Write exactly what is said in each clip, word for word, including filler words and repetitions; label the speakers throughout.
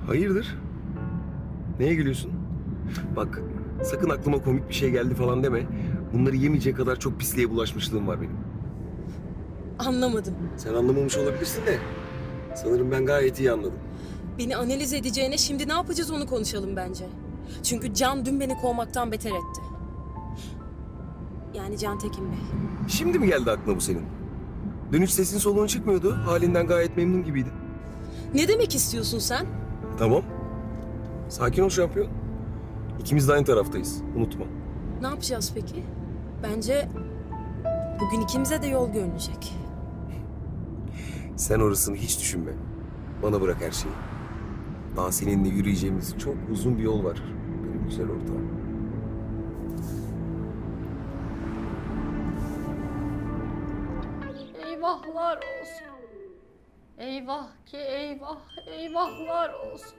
Speaker 1: Hayırdır? Neye gülüyorsun? Bak, sakın aklıma komik bir şey geldi falan deme. Bunları yemeyecek kadar çok pisliğe bulaşmışlığım var benim.
Speaker 2: Anlamadım.
Speaker 1: Sen anlamamış olabilirsin de sanırım ben gayet iyi anladım.
Speaker 2: Beni analiz edeceğine şimdi ne yapacağız onu konuşalım bence. Çünkü Can dün beni kovmaktan beter etti. Yani Can Tekin Bey.
Speaker 1: Şimdi mi geldi aklına bu senin? Dün hiç sesin soluğun çıkmıyordu. Halinden gayet memnun gibiydin.
Speaker 2: Ne demek istiyorsun sen?
Speaker 1: Tamam. Sakin ol şampiyon. İkimiz de aynı taraftayız. Unutma.
Speaker 2: Ne yapacağız peki? Bence bugün ikimize de yol görünecek.
Speaker 1: Sen orasını hiç düşünme. Bana bırak her şeyi. Daha seninle yürüyeceğimiz çok uzun bir yol var. Benim güzel ortağım.
Speaker 3: Eyvahlar olsun. Eyvah ki eyvah, eyvahlar olsun.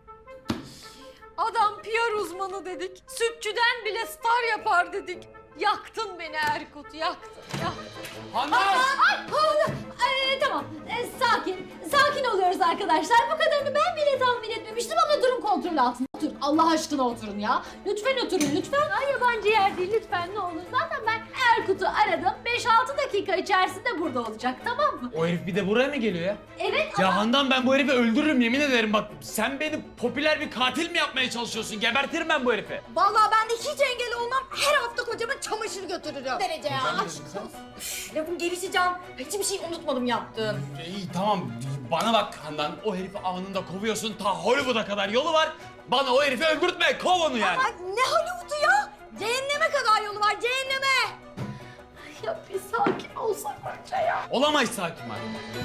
Speaker 3: Adam P R uzmanı dedik. Sütçüden bile star yapar dedik. Yaktın beni Erkut, yaktın, yaktın.
Speaker 4: Handan!
Speaker 3: Ay, ay, ay, tamam, e, sakin. Sakin oluyoruz arkadaşlar. Bu kadarını ben bile tahmin etmemiştim ama durum kontrol altında. Oturun, Allah aşkına oturun ya. Lütfen oturun, lütfen. Ay, yabancı yer değil, lütfen ne olur. Zaten ben Erkut'u aradım. beş altı dakika içerisinde burada olacak, tamam mı?
Speaker 4: O herif bir de buraya mı geliyor ya?
Speaker 3: Evet ama...
Speaker 4: Ya Handan, ben bu herifi öldürürüm yemin ederim bak. Sen beni popüler bir katil mi yapmaya çalışıyorsun? Gebertirim ben bu herifi.
Speaker 5: Vallahi ben de hiç engel olmam. Her hafta kocama çamaşır götürürüm. Derece ya. Aşk olsun. Lafın gelişi Can. Hiçbir şey unutmadım yaptığın.
Speaker 4: İyi tamam, bana bak Handan. O herifi anında kovuyorsun. Ta Hollywood'a kadar yolu var. Bana o herifi öldürtme. Kov onu yani.
Speaker 5: Ay ne Hollywood'u ya? Cehenneme kadar yolu var, cehenneme.
Speaker 3: Ya bir sakin olsak önce ya.
Speaker 4: Olamayız sakin var.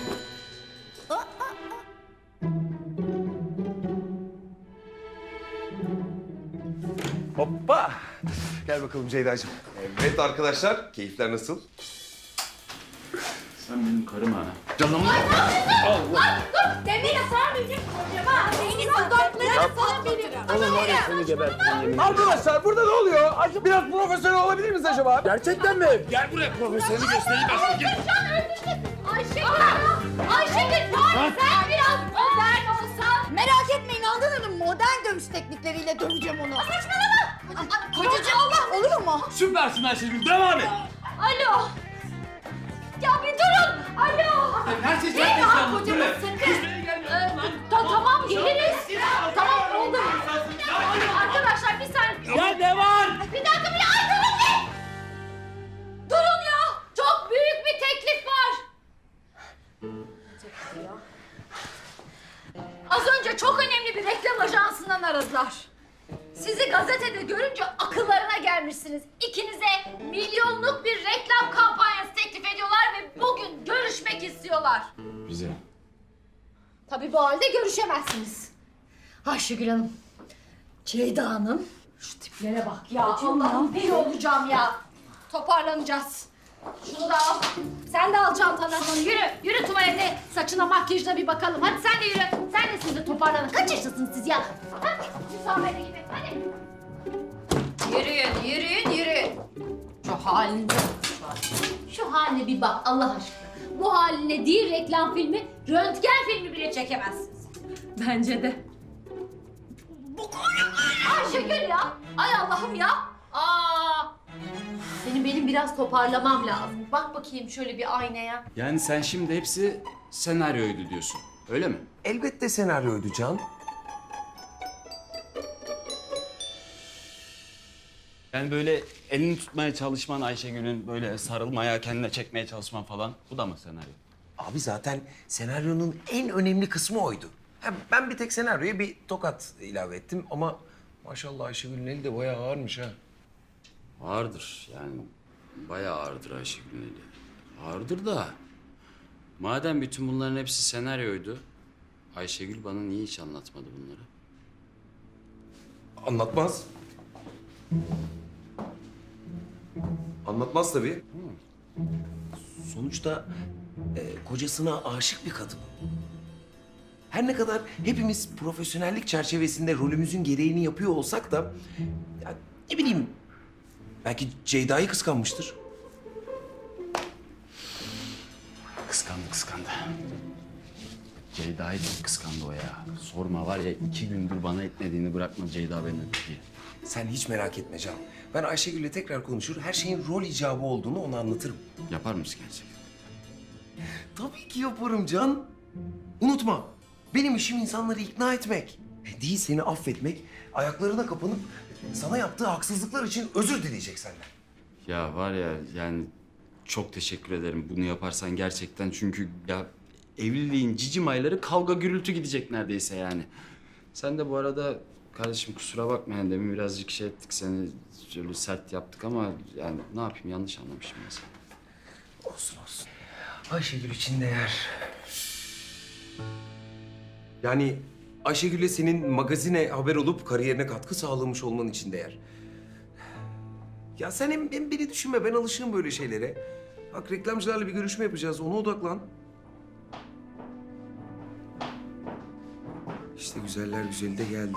Speaker 1: Hoppa! Gel bakalım Ceyda'cığım. Evet arkadaşlar, keyifler nasıl?
Speaker 4: Sen benim karım ha.
Speaker 1: Canım.
Speaker 5: Demir sana diyecek kocama. Beyni dudaklarını sana benim.
Speaker 1: Oğlum var ya seni gebertirim. Arkadaşlar burada ne oluyor? Biraz profesyonel olabilir miyiz acaba? Gerçekten mi?
Speaker 4: Gel buraya, profesyoneli göstereyim ben sana. Gel.
Speaker 5: Ayşegül ya. Ayşegül bari sen biraz modern olsan. Merak etmeyin Handan Hanım. Modern dövüş teknikleriyle döveceğim onu. Saçmalama. Kocacığım Allah oluyor mu?
Speaker 4: Süpersin Ayşegül, devam et.
Speaker 3: Alo. Ya bir durun. Alo.
Speaker 4: Her şey
Speaker 3: Ne ya kocama sakın. Ee, ta, tamam geliriz. Tamam oldu. Arkadaşlar bir saniye.
Speaker 4: Ya ne var?
Speaker 3: Bir dakika bir ay durun be. Durun ya. Çok büyük bir teklif var. Az önce çok önemli bir reklam ajansından aradılar. Sizi gazetede görünce akıllarına gelmişsiniz. İkinize milyonluk bir reklam kampanyası teklif ediyorlar ve bugün görüşmek istiyorlar.
Speaker 4: Bize.
Speaker 3: Tabii bu halde görüşemezsiniz. Ayşegül Hanım, Ceyda Hanım. Şu tiplere bak ya. Allah'ım deli olacağım ya. Toparlanacağız. Şunu da al. Sen de al çantanı. Yürü, yürü tuvalete. Saçına, makyajına bir bakalım. Hadi sen de yürü. Sen de siz de toparlanın. Kaç yaşındasınız siz ya? Hadi, müsaade gibi. Hadi. Yürüyün, yürüyün, yürüyün. Şu halinde Şu haline bir bak Allah aşkına. Bu haline değil reklam filmi, röntgen filmi bile çekemezsiniz. Bence de. Bu Ayşegül ya. Ay Allah'ım ya. Aa. Benim benim biraz toparlamam lazım. Bak bakayım şöyle bir aynaya.
Speaker 6: Yani sen şimdi hepsi senaryoydu diyorsun, öyle mi?
Speaker 1: Elbette senaryoydu Can.
Speaker 6: Yani böyle elini tutmaya çalışman Ayşegül'ün, böyle sarılmaya, kendine çekmeye çalışman falan, bu da mı senaryo?
Speaker 1: Abi zaten senaryonun en önemli kısmı oydu. Ha, ben bir tek senaryoya bir tokat ilave ettim ama maşallah Ayşegül'ün eli de bayağı ağırmış ha.
Speaker 6: Ağırdır yani, bayağı ağırdır Ayşegül'ün eli. Ağırdır da, madem bütün bunların hepsi senaryoydu, Ayşegül bana niye hiç anlatmadı bunları?
Speaker 1: Anlatmaz. Anlatmaz tabii. Sonuçta e, kocasına aşık bir kadın. Her ne kadar hepimiz profesyonellik çerçevesinde rolümüzün gereğini yapıyor olsak da... Ya, ne bileyim, belki Ceyda'yı kıskanmıştır.
Speaker 6: Kıskandı, kıskandı. Ceyda'yı çok kıskandı o ya. Sorma var ya iki gündür bana etmediğini bırakmadı Ceyda beni diye.
Speaker 1: Sen hiç merak etme Can. Ben Ayşegül'le tekrar konuşur, her şeyin rol icabı olduğunu ona anlatırım.
Speaker 6: Yapar mısın gerçekten?
Speaker 1: Tabii ki yaparım Can. Unutma, benim işim insanları ikna etmek. Değil seni affetmek, ayaklarına kapanıp sana yaptığı haksızlıklar için özür dileyecek senden.
Speaker 6: Ya var ya yani çok teşekkür ederim bunu yaparsan gerçekten çünkü ya evliliğin cicim ayları kavga gürültü gidecek neredeyse yani. Sen de bu arada kardeşim kusura bakma yani demin birazcık şey ettik seni şöyle sert yaptık ama yani ne yapayım yanlış anlamışım ben seni.
Speaker 1: Olsun olsun. Ayşegül için değer. Yani Ayşegül'le senin magazine haber olup kariyerine katkı sağlamış olman için değer. Ya sen hem, hem beni düşünme, ben alışığım böyle şeylere. Bak reklamcılarla bir görüşme yapacağız, ona odaklan. İşte güzeller güzeli de geldi.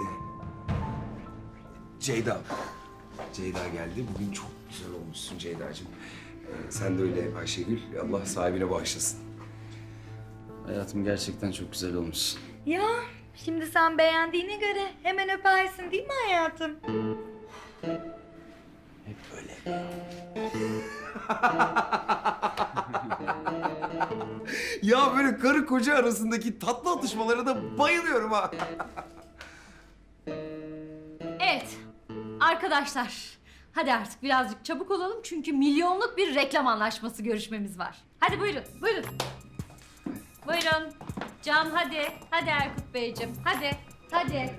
Speaker 1: Ceyda. Ceyda geldi. Bugün çok güzel olmuşsun Ceyda'cığım. Ee, sen de öyle Ayşegül. Allah sahibine bağışlasın.
Speaker 6: Hayatım gerçekten çok güzel olmuş.
Speaker 5: Ya şimdi sen beğendiğine göre hemen öpersin değil mi hayatım?
Speaker 6: Hep böyle.
Speaker 1: Ya böyle karı koca arasındaki tatlı atışmalara da bayılıyorum ha.
Speaker 3: Evet. Arkadaşlar. Hadi artık birazcık çabuk olalım çünkü milyonluk bir reklam anlaşması görüşmemiz var. Hadi buyurun, buyurun. Buyurun. Can hadi. Hadi Erkut Beyciğim. Hadi. Hadi.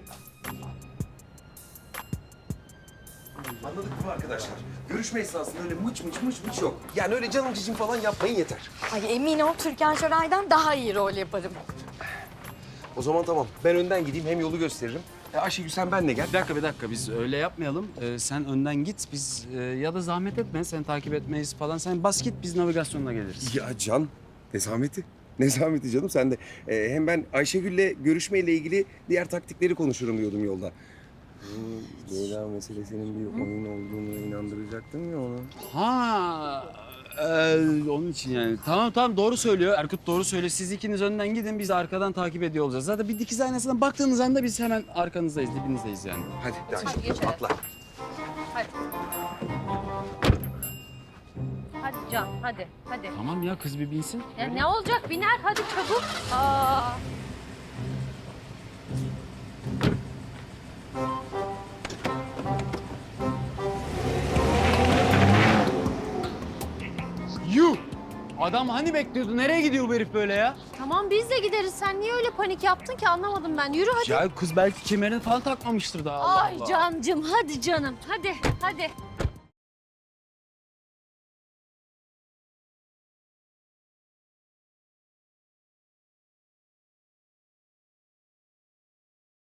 Speaker 1: Anladık mı arkadaşlar? Görüşme esnasında öyle mıç mıç mıç mıç yok. Yani öyle canım cicim falan yapmayın yeter.
Speaker 5: Ay emin ol Türkan Şoray'dan daha iyi rol yaparım.
Speaker 1: O zaman tamam. Ben önden gideyim, hem yolu gösteririm. E Ayşegül sen benle gel.
Speaker 6: Bir dakika bir dakika biz öyle yapmayalım. Ee, sen önden git biz e, ya da zahmet etme sen takip etmeyiz falan. Sen bas git biz navigasyonla geliriz.
Speaker 1: Ya Can, ne zahmeti? Ne zahmeti canım sen de. Ee, hem ben Ayşegül'le görüşmeyle ilgili diğer taktikleri konuşurum diyordum yolda. Hmm, Ceyda meselesinin bir oyun olduğunu inandıracaktım ya onu.
Speaker 6: Ha, e, onun için yani. Tamam tamam doğru söylüyor. Erkut doğru söylüyor. Siz ikiniz önden gidin biz de arkadan takip ediyor olacağız. Zaten bir dikiz aynasından baktığınız anda biz hemen arkanızdayız, dibinizdeyiz yani.
Speaker 1: Hadi, hadi,
Speaker 3: Hadi geçelim.
Speaker 1: atla.
Speaker 3: Hadi. Hadi Can, hadi, hadi.
Speaker 6: Tamam ya kız bir binsin.
Speaker 3: Ya ne olacak? Biner, hadi çabuk. Aa.
Speaker 6: Yuh! Adam hani bekliyordu? Nereye gidiyor bu herif böyle ya?
Speaker 3: Tamam biz de gideriz. Sen niye öyle panik yaptın ki anlamadım ben. Yürü hadi.
Speaker 6: Ya kız belki kemerini falan takmamıştır daha. Allah
Speaker 3: Ay
Speaker 6: Allah.
Speaker 3: Cancım, hadi canım. Hadi, hadi.